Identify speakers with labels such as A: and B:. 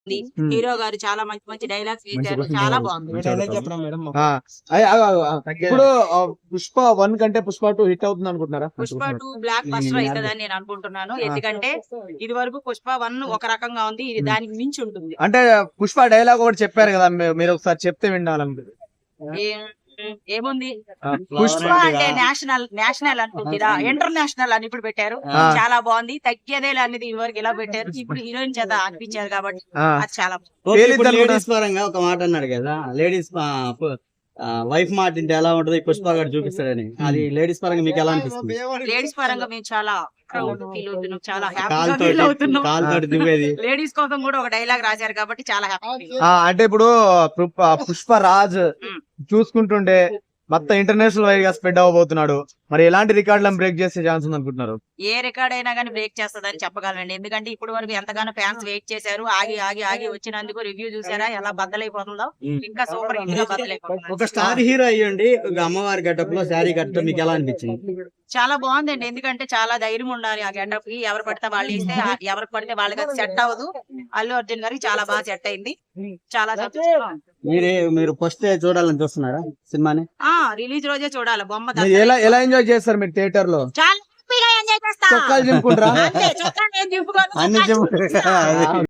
A: Hero గారు చాలా మంచి మంచి డైలాగ్స్ వేశారు. చాలా బాగుంది.
B: ఇప్పుడు పుష్ప 1 కంటే పుష్ప 2 హిట్ అవుతుంది అనుకుంటున్నారా?
A: పుష్ప 2 బ్లాక్ బస్టర్ అవుతుందని నేను అనుకుంటున్నాను. ఎందుకంటే ఇది వరకు పుష్ప 1 ఒక రకంగా ఉంది, ఇది దానికి మించి ఉంటుంది.
B: అంటే పుష్ప డైలాగ్ ఒకటి చెప్పారు కదా, మీరు ఒకసారి చెప్తే వినాలనుకుంటుంది.
A: ఏముంది, పుష్ప అంటే నేషనల్ అనుకుంటురా, ఇంటర్నేషనల్ అని ఇప్పుడు పెట్టారు. చాలా బాగుంది. తగ్గేదే అనేది ఇది వరకు ఇలా పెట్టారు. ఇప్పుడు హీరోయిన్ చేత అనిపించారు కాబట్టి అది చాలా
C: లేడీస్ పరంగా ఒక మాట అన్నాడు కదా, లేడీస్ వైఫ్ మాట ఇంటే ఎలా ఉంటది పుష్ప గారు చూపిస్తాడని. అది లేడీస్ పరంగా మీకు ఎలా అనిపిస్తుంది?
A: లేడీస్ పరంగా మేము చాలా ప్రౌడ్ ఫీల్ అవుతున్నాం, చాలా హ్యాపీగా ఫీల్ అవుతున్నాం. లేడీస్ కోసం కూడా ఒక డైలాగ్ రాశారు కాబట్టి చాలా హ్యాపీ.
B: అంటే ఇప్పుడు పుష్పరాజ్ చూసుకుంటుంటే మొత్తం ఇంటర్నేషనల్ వైడ్ గా స్ప్రెడ్ అవ్వబోతున్నాడు. మరి ఎలాంటి రికార్డులను బ్రేక్ చేసే ఛాన్స్ ఉంది అనుకుంటున్నారు?
A: ఏ రికార్డ్ అయినా కానీ బ్రేక్ చేస్తుందని చెప్పగలండి. ఎందుకంటే ఇప్పుడు వరకు ఎంతగానో ఫ్యాన్స్ వెయిట్ చేశారు. ఆగి ఆగి ఆగి వచ్చినందుకు రివ్యూ చూసారా ఎలా బద్దలైపోతుందో. ఇంకా సూపర్ హిట్ గా బద్దలైపోతుంది.
C: ఒక స్టార్ హీరో అయ్యండి అమ్మవారి గెటప్ లో శారీ కట్టడం మీకు ఎలా అనిపించింది?
A: చాలా బాగుందండి. ఎందుకంటే చాలా ధైర్యం ఉండాలి ఆ గెటప్ కి. ఎవరు పడితే వాళ్ళు వేస్తే ఎవరికి పడితే వాళ్ళకి అది సెట్ అవ్వదు. అల్లు అర్జున్ గారికి చాలా బాగా సెట్ అయింది. చాలా
C: మీరు ఫస్ట్ చూడాలని చూస్తున్నారా సినిమాని?
A: రిలీజ్ రోజే చూడాలి. బొమ్మ
B: ఎలా ఎంజాయ్ చేస్తారు మీరు థియేటర్ లో?
A: చాలా హ్యాపీగా ఎంజాయ్ చేస్తా.
B: చొక్కాలు చింపుకుంటారా?
A: చొక్కా నేను చింపుకోను.